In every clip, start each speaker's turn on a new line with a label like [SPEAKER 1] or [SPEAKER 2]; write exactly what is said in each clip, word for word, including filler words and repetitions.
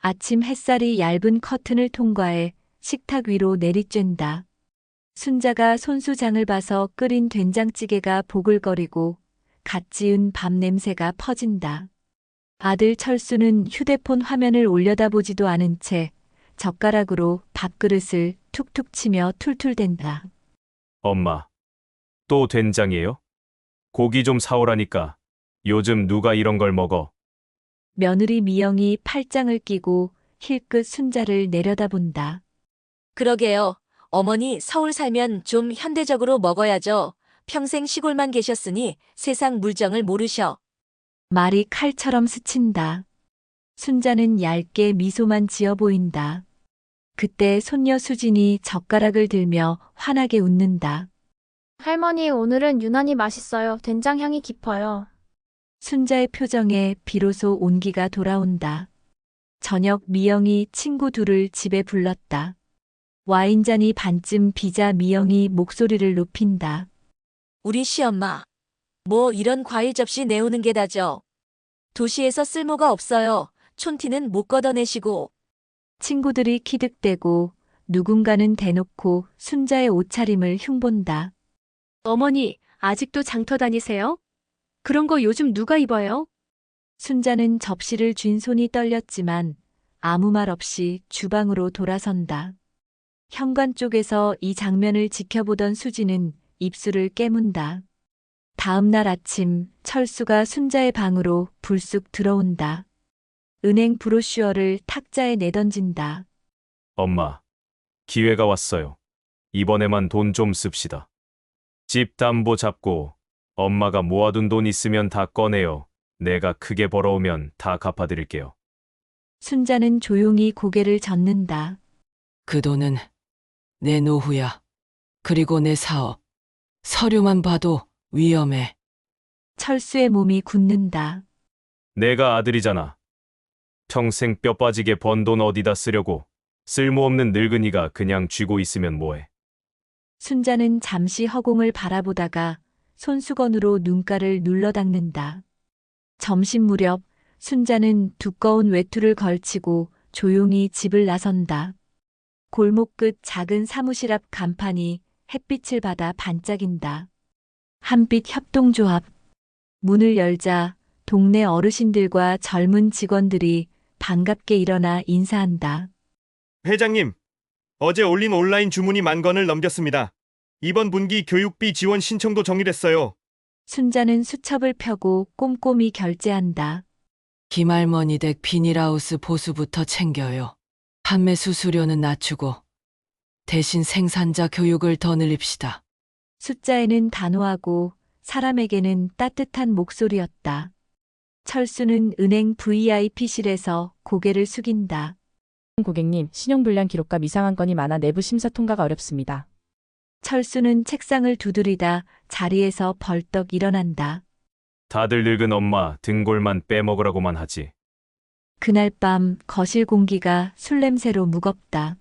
[SPEAKER 1] 아침 햇살이 얇은 커튼을 통과해 식탁 위로 내리쬐다. 순자가 손수장을 봐서 끓인 된장찌개가 보글거리고 갓 지은 밥 냄새가 퍼진다. 아들 철수는 휴대폰 화면을 올려다보지도 않은 채 젓가락으로 밥그릇을 툭툭 치며 툴툴댄다.
[SPEAKER 2] 엄마, 또 된장이에요? 고기 좀 사오라니까. 요즘 누가 이런 걸 먹어?
[SPEAKER 1] 며느리 미영이 팔짱을 끼고 힐끗 순자를 내려다본다.
[SPEAKER 3] 그러게요. 어머니 서울 살면 좀 현대적으로 먹어야죠. 평생 시골만 계셨으니 세상 물정을 모르셔.
[SPEAKER 1] 말이 칼처럼 스친다. 순자는 얇게 미소만 지어 보인다. 그때 손녀 수진이 젓가락을 들며 환하게 웃는다.
[SPEAKER 4] 할머니, 오늘은 유난히 맛있어요. 된장 향이 깊어요.
[SPEAKER 1] 순자의 표정에 비로소 온기가 돌아온다. 저녁 미영이 친구 둘을 집에 불렀다. 와인잔이 반쯤 비자 미영이 목소리를 높인다.
[SPEAKER 3] 우리 시엄마. 뭐 이런 과일 접시 내오는 게 다죠. 도시에서 쓸모가 없어요. 촌티는 못 걷어내시고.
[SPEAKER 1] 친구들이 키득대고 누군가는 대놓고 순자의 옷차림을 흉본다.
[SPEAKER 5] 어머니, 아직도 장터 다니세요? 그런 거 요즘 누가 입어요?
[SPEAKER 1] 순자는 접시를 쥔 손이 떨렸지만 아무 말 없이 주방으로 돌아선다. 현관 쪽에서 이 장면을 지켜보던 수지는 입술을 깨문다. 다음 날 아침 철수가 순자의 방으로 불쑥 들어온다. 은행 브로슈어를 탁자에 내던진다.
[SPEAKER 2] 엄마, 기회가 왔어요. 이번에만 돈 좀 씁시다. 집 담보 잡고 엄마가 모아둔 돈 있으면 다 꺼내요. 내가 크게 벌어오면 다 갚아드릴게요.
[SPEAKER 1] 순자는 조용히 고개를 젓는다.
[SPEAKER 6] 그 돈은 내 노후야. 그리고 내 사업. 서류만 봐도 위험해.
[SPEAKER 1] 철수의 몸이 굳는다.
[SPEAKER 2] 내가 아들이잖아. 평생 뼈 빠지게 번 돈 어디다 쓰려고. 쓸모없는 늙은이가 그냥 쥐고 있으면 뭐해.
[SPEAKER 1] 순자는 잠시 허공을 바라보다가 손수건으로 눈가를 눌러 닦는다. 점심 무렵 순자는 두꺼운 외투를 걸치고 조용히 집을 나선다. 골목 끝 작은 사무실 앞 간판이 햇빛을 받아 반짝인다. 한빛 협동조합. 문을 열자 동네 어르신들과 젊은 직원들이 반갑게 일어나 인사한다.
[SPEAKER 7] 회장님, 어제 올린 온라인 주문이 만 건을 넘겼습니다. 이번 분기 교육비 지원 신청도 정리됐어요.
[SPEAKER 1] 순자는 수첩을 펴고 꼼꼼히 결제한다.
[SPEAKER 6] 김할머니 댁 비닐하우스 보수부터 챙겨요. 판매 수수료는 낮추고 대신 생산자 교육을 더 늘립시다.
[SPEAKER 1] 숫자에는 단호하고 사람에게는 따뜻한 목소리였다. 철수는 은행 브이아이피실에서 고개를 숙인다.
[SPEAKER 8] 고객님, 신용불량 기록과 이상한 건이 많아 내부 심사 통과가 어렵습니다.
[SPEAKER 1] 철수는 책상을 두드리다 자리에서 벌떡 일어난다.
[SPEAKER 2] 다들 늙은 엄마 등골만 빼먹으라고만 하지.
[SPEAKER 1] 그날 밤 거실 공기가 술 냄새로 무겁다.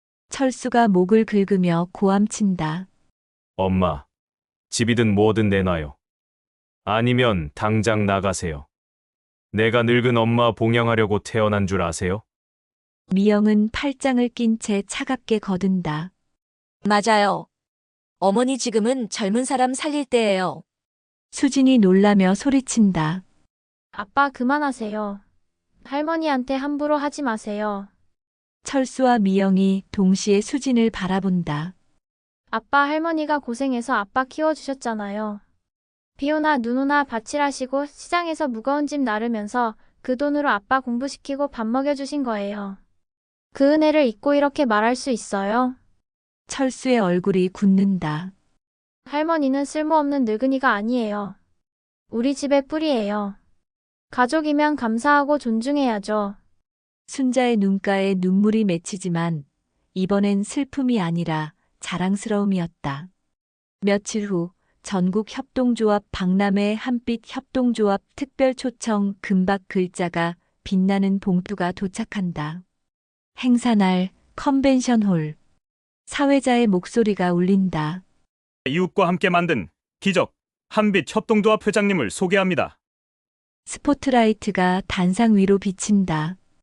[SPEAKER 1] 철수가 목을 긁으며 고함친다.
[SPEAKER 2] 엄마, 집이든 뭐든 내놔요. 아니면 당장 나가세요. 내가 늙은 엄마 봉양하려고 태어난 줄 아세요?
[SPEAKER 1] 미영은 팔짱을 낀 채 차갑게 거든다.
[SPEAKER 3] 맞아요. 어머니 지금은 젊은 사람 살릴 때예요.
[SPEAKER 1] 수진이 놀라며 소리친다.
[SPEAKER 4] 아빠, 그만하세요. 할머니한테 함부로 하지 마세요.
[SPEAKER 1] 철수와 미영이 동시에 수진을 바라본다.
[SPEAKER 4] 아빠, 할머니가 고생해서 아빠 키워주셨잖아요. 비 오나 눈 오나 밭일하시고 시장에서 무거운 짐 나르면서 그 돈으로 아빠 공부시키고 밥 먹여주신 거예요. 그 은혜를 잊고 이렇게 말할 수 있어요?
[SPEAKER 1] 철수의 얼굴이 굳는다.
[SPEAKER 4] 할머니는 쓸모없는 늙은이가 아니에요. 우리 집의 뿌리예요. 가족이면 감사하고 존중해야죠.
[SPEAKER 1] 순자의 눈가에 눈물이 맺히지만 이번엔 슬픔이 아니라 자랑스러움이었다. 며칠 후 전국 협동조합 박람회 한빛 협동조합 특별 초청 금박 글자가 빛나는 봉투가 도착한다. 행사날 컨벤션홀. 사회자의 목소리가 울린다.
[SPEAKER 7] 이웃과 함께 만든 기적 한빛 협동조합 회장님을 소개합니다.
[SPEAKER 1] 스포트라이트가 단상 위로 비친다.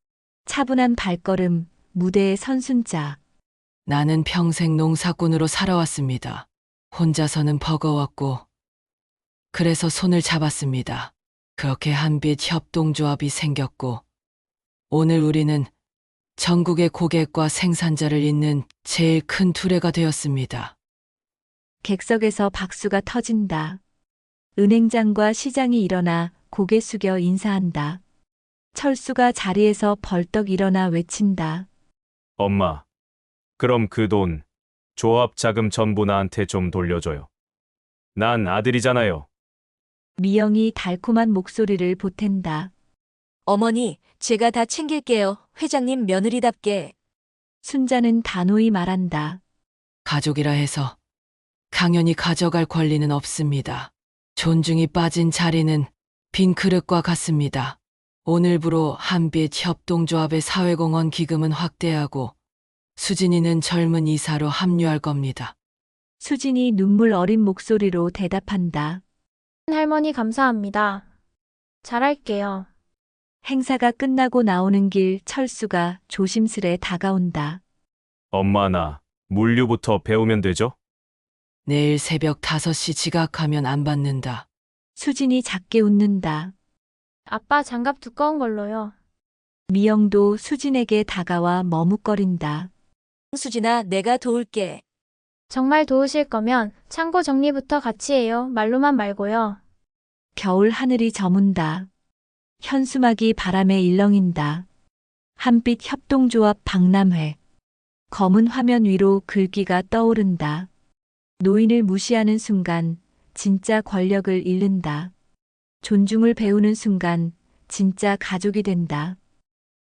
[SPEAKER 1] 차분한 발걸음, 무대의 선순자.
[SPEAKER 6] 나는 평생 농사꾼으로 살아왔습니다. 혼자서는 버거웠고, 그래서 손을 잡았습니다. 그렇게 한빛 협동조합이 생겼고, 오늘 우리는 전국의 고객과 생산자를 잇는 제일 큰 두레가 되었습니다.
[SPEAKER 1] 객석에서 박수가 터진다. 은행장과 시장이 일어나 고개 숙여 인사한다. 철수가 자리에서 벌떡 일어나 외친다.
[SPEAKER 2] 엄마, 그럼 그 돈, 조합 자금 전부 나한테 좀 돌려줘요. 난 아들이잖아요.
[SPEAKER 1] 미영이 달콤한 목소리를 보탠다.
[SPEAKER 3] 어머니, 제가 다 챙길게요. 회장님 며느리답게.
[SPEAKER 1] 순자는 단호히 말한다.
[SPEAKER 6] 가족이라 해서 강연히 가져갈 권리는 없습니다. 존중이 빠진 자리는 빈 그릇과 같습니다. 오늘부로 한빛 협동조합의 사회공헌 기금은 확대하고 수진이는 젊은 이사로 합류할 겁니다.
[SPEAKER 1] 수진이 눈물 어린 목소리로 대답한다.
[SPEAKER 4] 할머니 감사합니다. 잘할게요.
[SPEAKER 1] 행사가 끝나고 나오는 길 철수가 조심스레 다가온다.
[SPEAKER 2] 엄마 나 물류부터 배우면 되죠?
[SPEAKER 6] 내일 새벽 다섯 시 지각하면 안 받는다.
[SPEAKER 1] 수진이 작게 웃는다.
[SPEAKER 4] 아빠 장갑 두꺼운 걸로요.
[SPEAKER 1] 미영도 수진에게 다가와 머뭇거린다.
[SPEAKER 3] 수진아, 내가 도울게.
[SPEAKER 4] 정말 도우실 거면 창고 정리부터 같이 해요. 말로만 말고요.
[SPEAKER 1] 겨울 하늘이 저문다. 현수막이 바람에 일렁인다. 한빛 협동조합 박람회. 검은 화면 위로 글귀가 떠오른다. 노인을 무시하는 순간 진짜 권력을 잃는다. 존중을 배우는 순간 진짜 가족이 된다.